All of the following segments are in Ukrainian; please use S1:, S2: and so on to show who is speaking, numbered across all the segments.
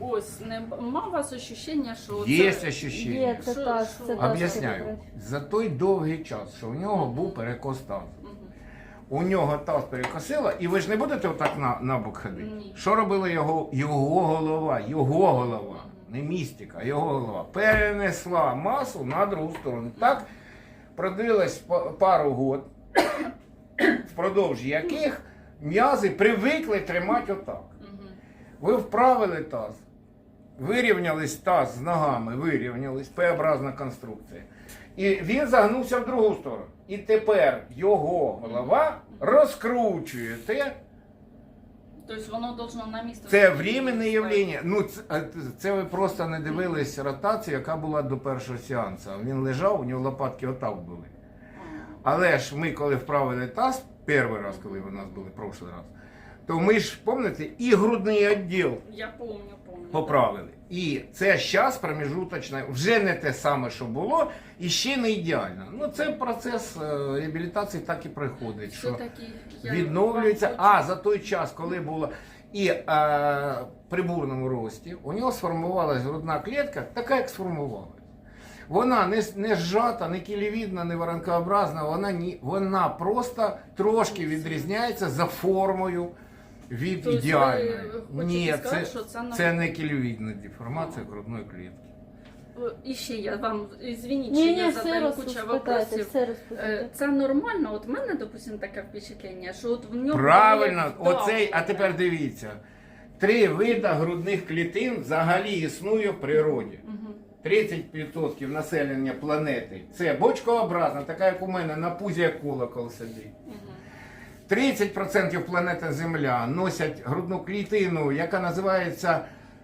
S1: ось, нема у вас ощущення, що
S2: Є
S1: це...
S2: ощущення.
S3: Є, це
S1: Що-
S3: так,
S1: що?
S3: це так.
S2: Об'ясняю. За той довгий час, що у нього був перекос тазу.
S1: Мгм.
S2: У нього таз перекосило, і ви ж не будете отак на бок ходити?
S1: Ні.
S2: Що робила його голова, не містика, а його голова. Перенесла масу на другу сторону. Так продлилось пару год, впродовж яких м'язи привикли тримати отак.
S1: Мгм.
S2: Ви вправили таз, вирівнялись таз з ногами, вирівнялись, П-образна конструкція. І він загнувся в другу сторону. І тепер його голова розкручує те.
S1: Тобто воно должно на місце...
S2: Це временне явлення. Ну, це ви просто не дивились ротацію, яка була до першого сеансу. Він лежав, у нього лопатки отак були. Але ж ми, коли вправили таз, перший раз, коли ви у нас були, прошлий раз, то ми ж, пам'ятаєте, і грудний відділ
S1: Я помню.
S2: поправили. І це зараз промежуточне, вже не те саме, що було, і ще не ідеально. Ну, це процес реабілітації так і приходить, що
S1: Все-таки я
S2: відновлюється.
S1: вам
S2: А за той час, коли було і при бурному рості, у нього сформувалась грудна клітка, така, як сформувалась. Вона не зжата, не кілевідна, не воронкообразна, вона просто трошки відрізняється за формою від
S1: Тобто
S2: ідеальної.
S1: ви
S2: Ні,
S1: хочете сказати, що це
S2: це не кілевідна деформація грудної клітки.
S1: І ще я вам, звініть, що
S3: Ні,
S1: я
S3: все
S1: задаю кучу
S3: розпитайте,
S1: вопросів.
S3: все розпитайте.
S1: Це нормально? От в мене, допустим, таке впечатлення, що от в нього...
S2: Правильно,
S1: було
S2: оцей, а тепер дивіться. 3 види грудних клітин взагалі існує в природі.
S1: Мгм.
S2: 30% населення планети це бочкообразна, така як у мене, на пузі як колокол сидить.
S1: Мгм.
S2: 30% планети Земля носять грудну клітину, яка називається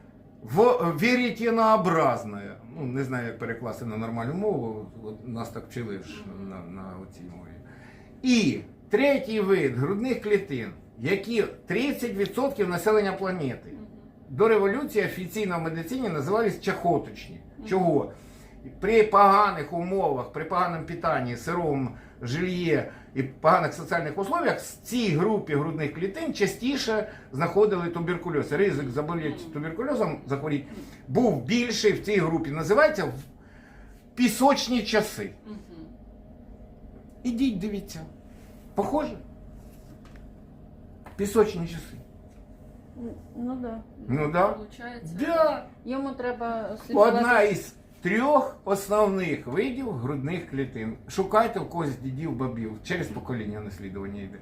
S2: веретенообразною. Ну, не знаю, як перекласти на нормальну мову, от нас так вчили ж на цій мові. І третій вид грудних клітин, які 30% населення планети. До революції офіційно в медицині називались чахоточні. Чого? При поганих умовах, при поганому питанні, сирому жильє і поганих соціальних условиях в цій групі грудних клітин частіше знаходили туберкульоз. Ризик заболіти туберкульозом, захворіти, був більший в цій групі. Називається в пісочні часи.
S1: Мгм.
S2: Ідіть, дивіться. Похоже? Пісочні часи.
S3: Ну да.
S2: Ну да.
S1: Получається.
S2: Да.
S3: Йому треба слідкувати.
S2: Одна із 3 основних видів грудних клітин. Шукайте у когось дідів, бабів. Через покоління наслідування йде.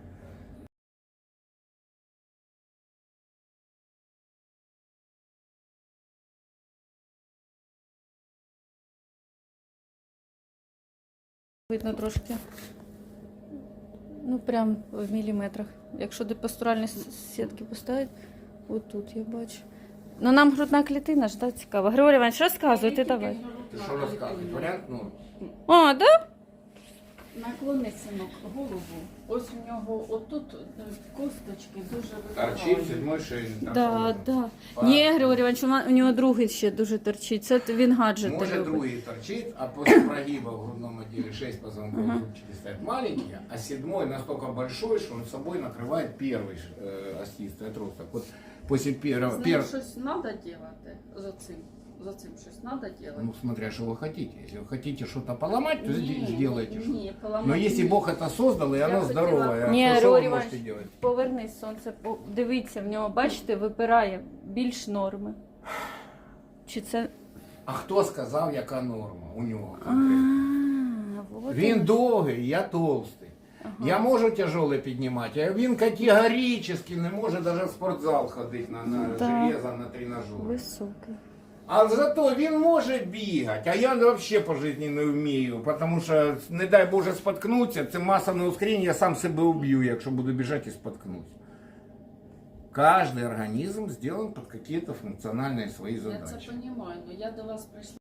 S3: Видно трошки. Ну, прям в міліметрах. Якщо до пастуральні сітки поставити, отут я бачу. Ну, нам грудна клітина ж, так, цікаво. Григорій Іванович, розказуйте, давай.
S2: Ти що розказуєш? Варіант, ну,
S3: А, да?
S1: Наклони, синок, голову. Ось у нього отут косточки дуже
S2: торчить
S1: випливають.
S2: 7-й шейний.
S3: Да, да. Ні, Григорій Іванович, у нього другий ще дуже торчить. Це він гаджети
S2: Може
S3: любить.
S2: другий торчит, а после прогиба в грудном отделе 6 позвонковых зубчики стоят маленькие, а 7-й настолько большой, что он собой накрывает первый остистый отросток. Вот после
S1: З
S2: первого...
S1: ним щось треба робити за цим щось треба робити.
S2: Ну, смотря что вы хотите. Если вы хотите что-то поломать, то сделайте.
S1: Ні, поламати.
S2: Но если Бог это создал, и
S1: Я
S2: оно
S1: хотела-
S2: здоровое,
S3: Ні,
S2: то что вы
S3: Григорій
S2: можете
S3: Іванович,
S2: делать?
S3: повернись, сонце, дивіться, в нього, бачите, випирає більш норми. Чи це...
S2: А хто сказав, яка норма у нього
S3: А,
S2: конкретно?
S3: вот
S2: Він
S3: воно.
S2: довгий, я толстий. Я можу тяжеле піднімати, а він категорично не може навіть в спортзал ходити на
S3: Да.
S2: железо, на тренажер.
S3: Високий.
S2: А зато він може бігати, а я взагалі по житті не вмію, тому що, не дай Боже, споткнутися, це масовне ускорення, я сам себе уб'ю, якщо буду біжати і споткнусь. Каждый организм сделан под какие-то функциональные свои
S1: Я це
S2: задачи.
S1: розумію, але я до вас прийшла.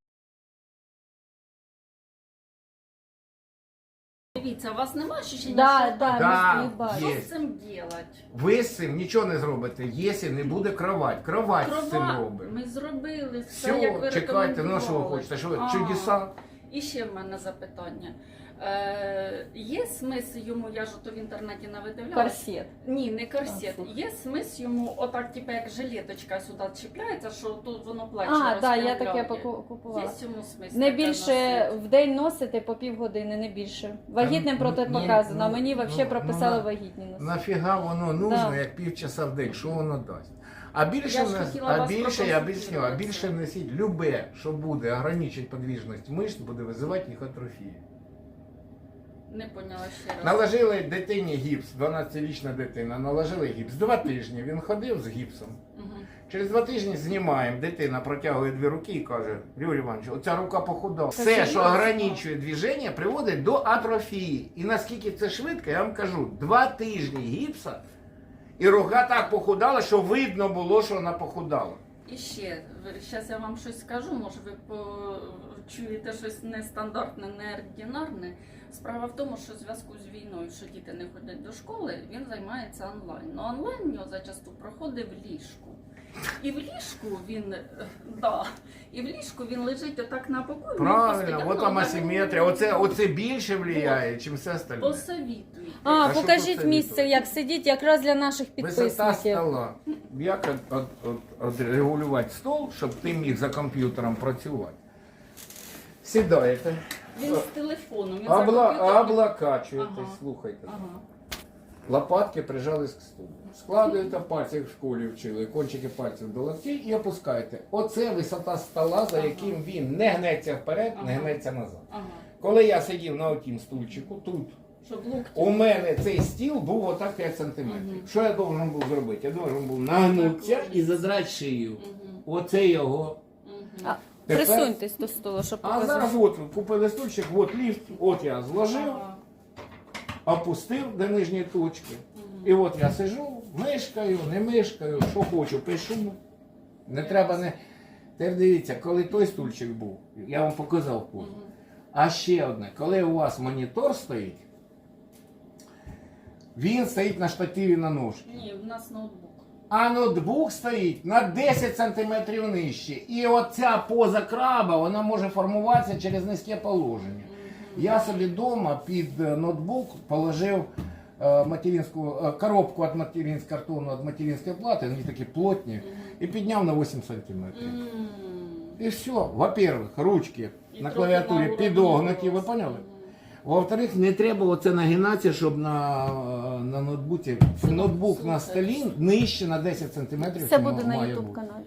S1: Дивіться, у вас немає ощущення,
S3: Да,
S1: що
S3: да,
S2: Да,
S3: ми бачимо.
S2: є.
S1: що з цим робити?
S2: Ви з цим нічого не зробите, якщо не буде кровать. Кровать з цим робить.
S1: Ми зробили все, як ви
S2: Все, чекайте, ну що ви
S1: рекомендували.
S2: хочете, що ви,
S1: А,
S2: чудеса?
S1: І ще в мене запитання. Є смисл йому, я ж то в інтернеті навидивлялась.
S3: Корсет.
S1: Ні, не корсет.
S3: А,
S1: Є смисл йому, отак, типу, як жилеточка сюди чіпляється, що тут воно плече
S3: А, так, я
S1: розправляє.
S3: таке купувала.
S1: Є цьому смисл.
S3: Не
S1: таке
S3: більше
S1: носити.
S3: в день носити по півгодини, не більше. Вагітним протипоказано, а мені взагалі прописали вагітні носити.
S2: Нафіга воно нужно,
S3: Да.
S2: як півчаса в день, що воно дасть? А більше,
S1: Я ж хотіла вас
S2: я
S1: проконсультувати.
S2: об'ясню, а більше носіть любе, що буде ограничити подвижність мишць, буде визивати їх атрофію.
S1: Не поняла ще раз.
S2: Наложили дитині гіпс, 12-річна дитина, наложили гіпс. 2 тижні він ходив з гіпсом.
S1: Мгм.
S2: Через 2 тижні знімаємо, дитина протягує 2 руки і каже: Юрій Іванович, оця рука похудала.
S3: Це
S2: Все, що
S3: серйозно?
S2: ограничує движення, приводить до атрофії. І наскільки це швидко, я вам кажу, 2 тижні гіпса, і рука так похудала, що видно було, що вона похудала.
S1: І ще, зараз я вам щось скажу, може ви чуєте щось нестандартне, неординарне. Справа в тому, що в зв'язку з війною, що діти не ходять до школи, він займається онлайн. Ну онлайн у нього зачасту проходить в ліжку. І в ліжку він, і в ліжку він лежить отак на боку. і він
S2: Правильно,
S1: постійно
S2: от там асиметрія. Оце більше впливає, ніж все остальне.
S1: Посовітуйте.
S3: А,
S2: А що
S3: покажіть
S2: тут
S3: місце, як сидіть, якраз для наших
S2: Висота
S3: підписників.
S2: стола. Як регулювати стол, щоб ти міг за комп'ютером працювати? Сідаєте,
S1: Він з телефоном. Він за комп'ютером.
S2: облокачуєтесь,
S1: Ага.
S2: слухайте.
S1: Ага.
S2: Лопатки прижались к столу. Складуєте пальці, як в школі вчили, кончики пальців до локтей і опускаєте. Оце висота стола, за яким він не гнеться вперед, не
S1: Ага.
S2: гнеться назад.
S1: Ага.
S2: Коли я сидів на отім стульчику, тут
S1: Щоб локті.
S2: у мене цей стіл був отак 5 сантиметрів.
S1: Мгм.
S2: Що я должен був зробити? Я должен був нагнутися і задрати шию.
S1: Мгм.
S2: Оце його.
S1: Мгм.
S3: А,
S2: Тепер-
S3: присуньтесь до столу, щоб
S2: А
S3: показати.
S2: зараз от купили стульчик, от ліфт, от я зложив,
S1: Ага.
S2: опустив до нижньої точки.
S1: Мгм.
S2: І от я сижу, мишкаю, не мишкаю, що хочу, пишу. Не треба не. Тепер дивіться, коли той стульчик був, я вам показав позу.
S1: Мгм.
S2: А ще одне, коли у вас монітор стоїть, він стоїть на штативі на ножці.
S1: Ні, в нас ноутбук.
S2: А ноутбук стоїть на 10 см нижче. І оця поза краба, вона може формуватися через низьке положення. Я собі вдома під ноутбук положив коробку від материнського картону від материнської плати, вони такі плотні, і підняв на 8 см.
S1: Мгм.
S2: І все. Во-первых, ручки
S1: І
S2: на
S1: трохи
S2: клавіатурі
S1: на уровні
S2: підогнуті, ви
S1: росту.
S2: поняли?
S1: Мгм.
S2: Во-вторых, не треба оце нагинатися, щоб на ноутбуці, ноутбук на столі нижче на 10 см.
S3: Це буде на YouTube каналі.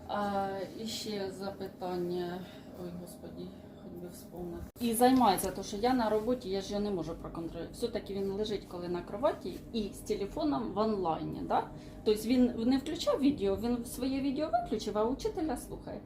S1: І ще запитання. Ой, господі, хоч би вспомнити. І займається, тому що я на роботі, я ж його не можу проконтролювати. Все-таки він лежить коли на кроваті і з телефоном в онлайні. Да? Тобто він не включав відео, він своє відео виключив, а учителя слухає.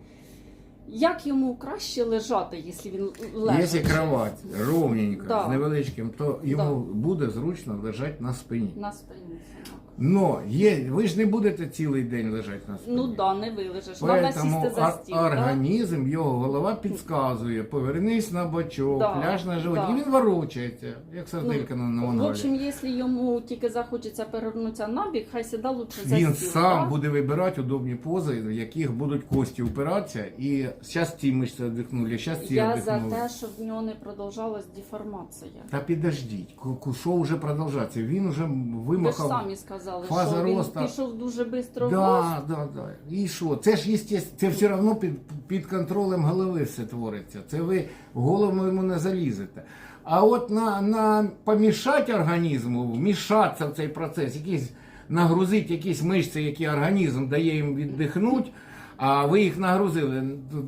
S1: Як йому краще лежати, якщо він лежить?
S2: Якщо кровать ровненька,
S1: Да.
S2: з невеличким, то йому буде зручно лежати на спині.
S1: На спині. синок.
S2: Но ви ж не будете цілий день лежати на спині.
S1: Ну да, не вилежиш. Треба
S2: Поэтому
S1: сісти за стіл. да?
S2: організм, його голова підказує, повернись на бочок,
S1: Да,
S2: ляж на живот.
S1: да.
S2: І він ворочається, як сарделька на
S1: В
S2: мангалі.
S1: общем, якщо йому тільки захочеться перевернутися набік, хай сіда лучше за
S2: Він
S1: стіл.
S2: сам
S1: да?
S2: буде вибирати удобні пози, в яких будуть кості упиратися, і зараз ці мишці віддихнули, зараз ці
S1: Я за
S2: віддихнули.
S1: те, щоб в нього не продовжалась деформація.
S2: Та підождіть, що вже продовжаться? Він вже
S1: Ви ж
S2: вимахав.
S1: самі сказали,
S2: фаза
S1: що він
S2: росту.
S1: пішов дуже швидко в рост.
S2: Да. І що? Це ж естественно, це все одно під контролем голови все твориться. Це ви в голову йому не залізете. А от на помішати організму, вмішатися в цей процес, нагрузити якісь мишці, які організм дає їм віддихнути, а ви їх нагрузили,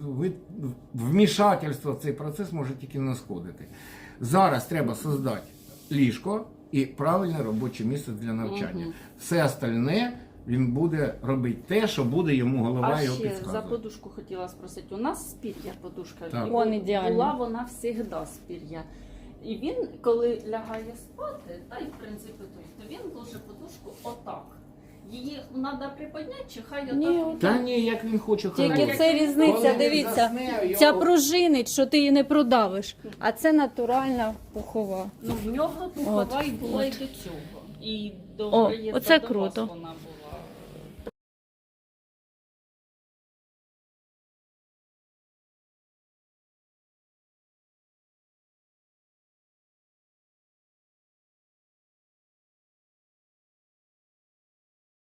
S2: вмішательство в цей процес може тільки нашкодити. Зараз треба створити ліжко і правильне робоче місце для навчання. Все остальне він буде робити те, що буде йому голова
S1: А
S2: його
S1: ще за
S2: підказувати.
S1: подушку хотіла спросити. У нас з пір'я подушка.
S2: Так.
S1: І
S3: Вон ідеально.
S1: Була вона завжди з пір'я. І він, коли лягає спати, та й в принципі то він ложе подушку отак. Її треба приподняти, чи хай отак?
S3: Ні,
S2: Та ні, як він хоче хай
S3: Тільки
S2: робить.
S3: це
S2: Коли
S3: різниця,
S2: він
S3: дивіться.
S2: засне,
S3: Ця
S2: його-
S3: пружинить, що ти її не продавиш. А це натуральна пухова.
S1: Ну, в нього пухова і була і до цього. І до
S3: О,
S1: приїзду
S3: оце
S1: до
S3: круто.
S1: вас вона була.